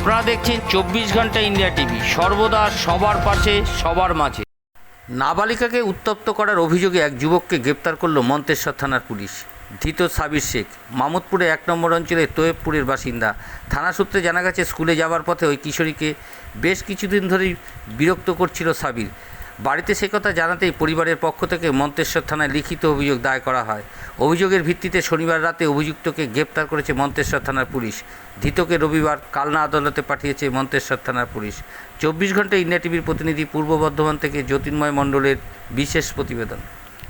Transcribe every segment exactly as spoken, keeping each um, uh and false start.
আপনারা দেখছেন চব্বিশ ঘন্টা ইন্ডিয়া টিভি, সর্বদা সবার পাশে সবার মাঝে। নাবালিকাকে উত্তপ্ত করার অভিযোগে এক যুবককে গ্রেপ্তার করল মন্তেশ্বর থানার পুলিশ। ধৃত সাবির শেখ মামুদপুরে এক নম্বর অঞ্চলের তোয়েবপুরের বাসিন্দা। থানা সূত্রে জানা গেছে, স্কুলে যাওয়ার পথে ওই কিশোরীকে বেশ কিছুদিন ধরেই বিরক্ত করছিল সাবির। বাড়িতে সে কথা জানাতেই পরিবারের পক্ষ থেকে মন্তেশ্বর থানায় লিখিত অভিযোগ দায়ের করা হয়। অভিযোগের ভিত্তিতে শনিবার রাতে অভিযুক্তকে গ্রেপ্তার করেছে মন্তেশ্বর থানার পুলিশ। ধৃতকে রবিবার কালনা আদালতে পাঠিয়েছে মন্তেশ্বর থানার পুলিশ। চব্বিশ ঘন্টা ইন্ডিয়া টিভির প্রতিনিধি পূর্ব বর্ধমান থেকে জ্যোতির্ময় মণ্ডলের বিশেষ প্রতিবেদন।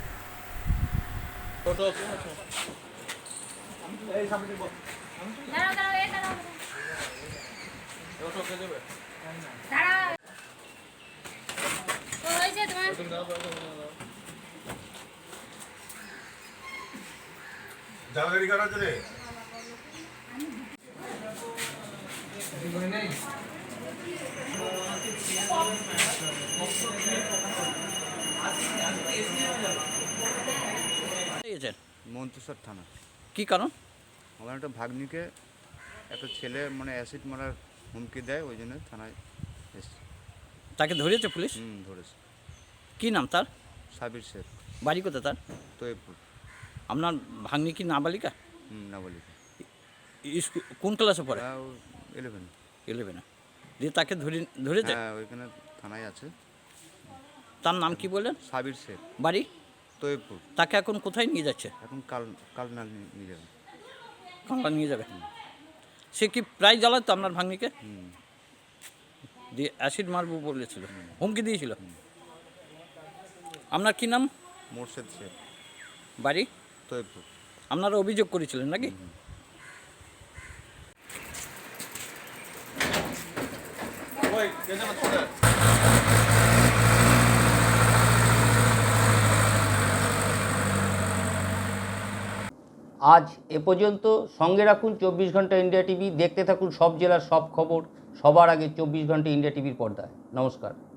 জালগাড়ি কার আছে রে? মন্তেশ্বর থানা। কি কারণ? আমার একটা ভাগ্নিকে একটা ছেলে মানে অ্যাসিড মারার হুমকি দেয়, ওই জন্য থানায় এসেছে। তাকে ধরেছে পুলিশ? হুম ধরেছে। কি নাম তার? সাবির শেখ। বাড়ি কোথায় তার? তোয়েবপুর। আপনার ভাগ্নি কি নাবালিকা? হুম নাবালিকা। স্কুল কোন ক্লাসে পড়ে? ইলেভেন। ইলেভেনে। দিয়ে তাকে ধরে ধরেছে? হ্যাঁ ওইখানে থানায় আছে। তার নাম কি বললেন? সাবির শেখ। বাড়ি? তোয়েবপুর। তাকে এখন কোথায় নিয়ে যাচ্ছে? এখন কাল কালনা নিয়ে যাবে। কালনা নিয়ে যাবে। সে কি প্রায় জ্বালাতো আপনার ভাগ্নিকে? হুম। দিয়ে অ্যাসিড মারবো বলেছিল, হুমকি দিয়েছিল। আপনার কি নাম? মোর্শেদ শেখ। বাড়ি? তোয়েবপুর। আপনারা অভিযোগ করেছিলেন নাকি? আজ এ পর্যন্ত। সঙ্গে রাখুন চব্বিশ ঘন্টা ইন্ডিয়া টিভি। দেখতে থাকুন সব জেলার সব খবর সবার আগে চব্বিশ ঘন্টা ইন্ডিয়া টিভির পর্দায়। নমস্কার।